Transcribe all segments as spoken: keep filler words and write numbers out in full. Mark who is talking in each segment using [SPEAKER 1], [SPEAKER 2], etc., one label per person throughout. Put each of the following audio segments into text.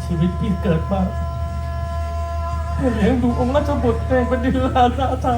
[SPEAKER 1] ชีวิตพี่เกิดมาเพื่อเลี้ยงดูองค์ราชบุตรในบดินทร์ราไทย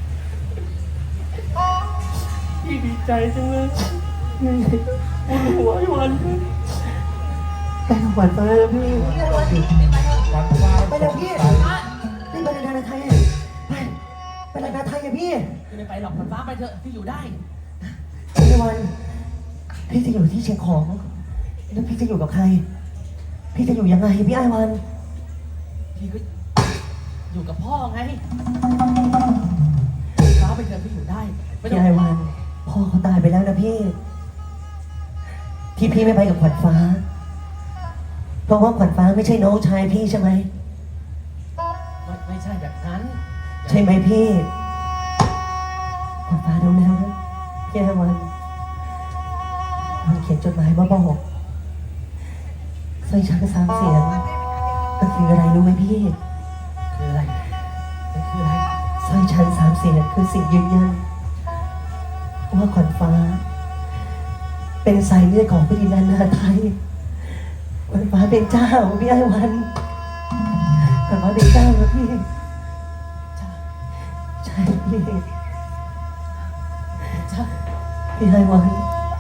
[SPEAKER 1] พี่ดีใจจังเลยบุญหัวไอ้วันแต่หวานไปแล้วพี่
[SPEAKER 2] วันฟ้า
[SPEAKER 3] ไปเลยพี่นี่ไปในนาไทยไปไปในนาไทยอะพี่
[SPEAKER 4] ไม่ไปหรอกขวัญฟ้าไปเถอะที่อยู่ได้
[SPEAKER 3] พี่วันพี่จะอยู่ที่เชียงของแล้วพี่จะอยู่กับใคร พี่จะอยู่ยังไงพี่ไอ้วัน
[SPEAKER 4] พี่ก็อยู่กับพ่อไงฟ้าไปเถอะที่อยู่ได้ไม่ต้อ
[SPEAKER 3] พี่
[SPEAKER 4] ง
[SPEAKER 3] ไอ้วันพ่อเขาตายไปแล้วนะพี่ ที่พี่ไม่ไปกับขวัญฟ้า เพราะว่าขวัญฟ้าไม่ใช่น้องชายพี่ใช่ไหม
[SPEAKER 4] ไม่ไม่ใช่แบบนั้น
[SPEAKER 3] ใช่ไหมพี่ขวัญฟ้ารู้แล้วนะพี่ไอ้วันมันเขียนจดหมายมาบอกสร้อยช้างสามเสียงมันคืออะไรรู้ไหมพี่
[SPEAKER 4] คืออะไรมันคืออะไร
[SPEAKER 3] สร้อยชั้นสามเสียงคือสิ่งยืนยันว่าขวัญฟ้า เป็นสายเลือดของพระดินนาไทยขวัญฟ้าเป็นเจ้าพี่ไอ้วันขวัญฟ้าเป็นเจ้านะพี่ใช่พี่
[SPEAKER 4] ใช่
[SPEAKER 3] พี่ไอ้วัน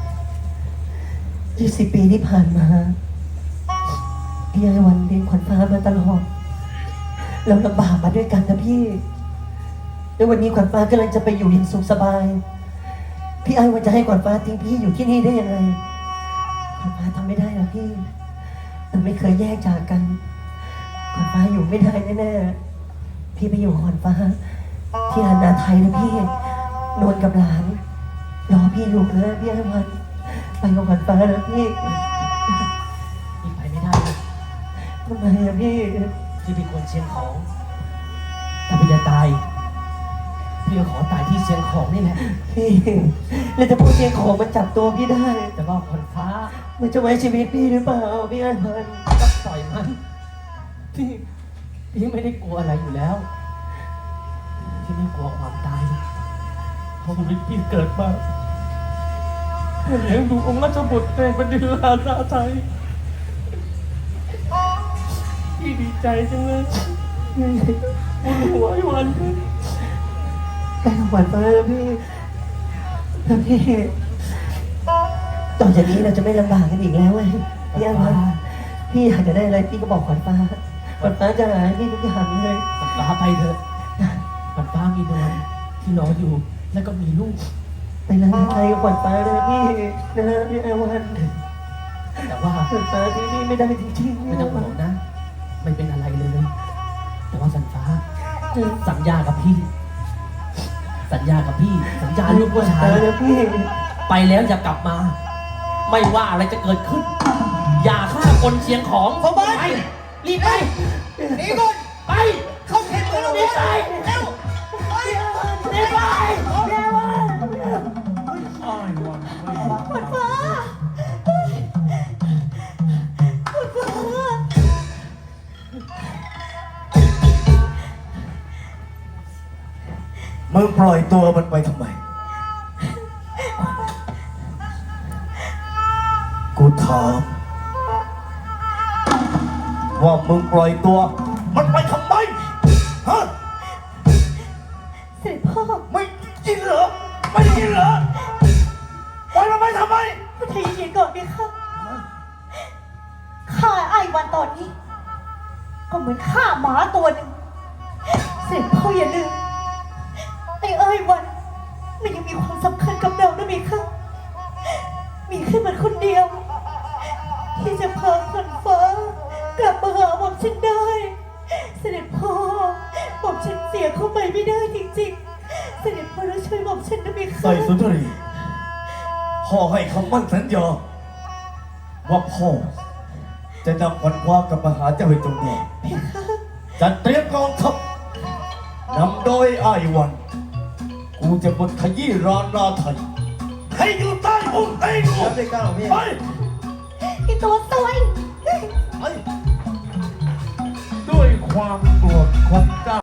[SPEAKER 3] ยี่สิบปีที่ผ่านมาพี่ไอ้วันเลี้ยงขวัญฟ้ามาตลอดเราลำบากมาด้วยกันนะพี่แล้ววันนี้ขวัญฟ้ากำลังจะไปอยู่อย่างสุขสบาย พี่ไอ้วันจะให้ขวัญฟ้าทิ้งพี่อยู่ที่นี่ได้ยังไงขวัญฟ้าทำไม่ได้หรอกพี่เราไม่เคยแยกจากกันขวัญฟ้าอยู่ไม่ได้แน่ๆพี่ไปอยู่กับขวัญฟ้า ที่ร้านนาไทยนะพี่นวลกับหลานรอพี่อยู่นะพี่ไอ้วันไปกับขวัญฟ้านะพี่
[SPEAKER 4] พี่ไปไม่ได้เลย
[SPEAKER 3] ทำไมอะพี่
[SPEAKER 4] พี่เป็นคนเชียงของถ้าพี่จะตายพี่ก็ขอตายที่เชียงของนี่แหละ
[SPEAKER 3] พี่แล้วจะพูดเชียงของมันจับตัวพี่ได้
[SPEAKER 4] แต่ว่าขวัญฟ้า
[SPEAKER 3] มันจะไว้ชีวิตพี่หรือเปล่าพี่ไอ้วัน
[SPEAKER 4] ก็ปล่อยมันพี่พี่ไม่ได้กลัวอะไรอยู่แล้วพี่ไม่กลัวความตาย
[SPEAKER 1] เพราะชีวิตพี่เกิดมาเพื่อเลี้ยงดูองค์ราชบุตรในบดินทร์ราไทยพี่ดีใจจังเลยบุญหัวไอ้วัน
[SPEAKER 3] แต่ขวัญฟ้าแล้วพี่แล้วพี่ต่อจากนี้เราจะไม่ลำบากกันอีกแล้วไงพี่ไอ้วันพี่อยากจะได้อะไรพี่ก็บอกขวัญฟ้าขวัญฟ้าจะหาให้พี่ทุกอย่างเลย
[SPEAKER 4] ขวัญฟ้าไปเถอะขวัญฟ้ามีนวลที่รออยู่ แล้วก็มีลูก
[SPEAKER 3] ไปร้านไทยกับขวัญฟ้าเลยพี่นะพี่ไอ้วัน
[SPEAKER 4] แต่ว่า
[SPEAKER 3] ขวัญฟ้าที่นี่ไม่ได้จริงๆ
[SPEAKER 4] ไม่ต้องห่วงนะ ไม่เป็นอะไรเลย แต่ว่าสัญฟ้าสัญญากับพี่ สัญญากับพี่ สัญญาลูกผู้ชาย
[SPEAKER 3] แล้วพี่
[SPEAKER 4] ไปแล้วอย่ากลับมา ไม่ว่าอะไรจะเกิดขึ้น อย่าฆ่าคนเชียงของเขาไปรีบไป
[SPEAKER 2] หนีก่อน
[SPEAKER 4] ไป
[SPEAKER 2] เข้าเข็มกันแล้ว
[SPEAKER 4] รีบไป
[SPEAKER 2] เร็วไป
[SPEAKER 4] รีบไป
[SPEAKER 1] อ้ายวันไม่
[SPEAKER 3] ขวัญฟ้าขวัญฟ้า
[SPEAKER 2] มึงปล่อยตัวมันไปทำไม กูถามว่ามึงปล่อยตัว มันไปทำไม ฮะ
[SPEAKER 3] เสด็จพ่อ
[SPEAKER 2] ไม่ยินเหรอ ไม่ยินเหรอปล่อยมันไปทำไม
[SPEAKER 3] พระเทยเย็นก่อนไหมคะข้าไอ้วันตอนนี้ ก็เหมือนฆ่าหมาตัวหนึ่งเสด็จพ่ออย่าลืมไอ้ไอ้วันมันยังมีความสำคัญกับเราด้วยไหมคะมีแค่มันคนเดียว ที่จะพาขวัญฟ้ากลับมาหาหม่อมฉันได้ เสด็จพ่อหม่อมฉันเสียเข้าไปไม่ได้จริงๆ เสด็จพ่อต้องช่วยหม่อมฉันด้วยไหมคะ
[SPEAKER 2] ใส่สุนทรีพ่อให้คำมั่นสัญญาว่าพ่อจะนำขวัญคว้ากลับมาหาเจ้าให้จงได้จัดเตรียมกองทัพนำโดยอ้ายวัน กูจะบดขยี้รอนราไทยให้อยู่ใต้อุ้งตีนกูไป
[SPEAKER 3] ไอ้ตัวซวย
[SPEAKER 2] ไป
[SPEAKER 1] ด้วยความโกรธของเจ้า